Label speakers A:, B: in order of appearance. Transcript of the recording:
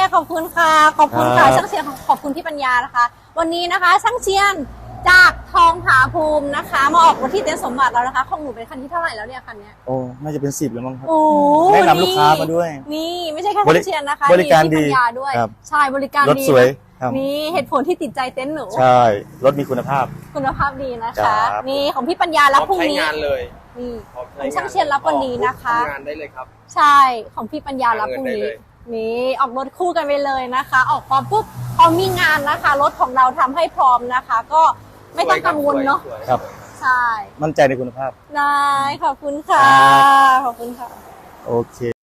A: ขอบคุณค่ะขอบคุณค่ะช่างเชียนขอบคุณพี่ปัญญานะคะวันนี้นะคะช่างเชียนจากทองผาภูมินะคะมาออกรถที่เต็นท์สมบัติแล้วนะคะของหนูเป็นคันที่เท่าไหร่แล้วเนี่ยคันนี้
B: โอ้น่าจะเป็น10แล้วมั้งครับ
A: โอ้
B: แนะนำลูกค้ามาด้วย
A: นี่ไม่ใช่แค่ช่างเชียนนะคะ
B: บริการดี
A: พี่ปัญญาด้วยใช่บริการดี
B: รถสวย
A: นี่เหตุผลที่ติดใจเต็นท์หนู
B: ใช่รถมีคุณภาพ
A: ดีนะคะนี่ของพี่ปัญญารับพรุ่งนี้
C: ใช้งานเลย
A: นี่ของช่างเชียนรับวันนี้นะคะ
C: ทำงานได้เลยครับ
A: ใช่ของพี่ปัญญารับพรุ่งนี้นี่ออกรถคู่กันไปเลยนะคะออกพร้อมปุ๊บพอมีงานนะคะรถของเราทำให้พร้อมนะคะก็ไม่ต้องกังวลเนาะ
B: ครับ
A: ใช่
B: มั่นใจในคุณภาพ
A: ได้ขอบคุณค่ะขอบคุณค่ะ
B: โอเค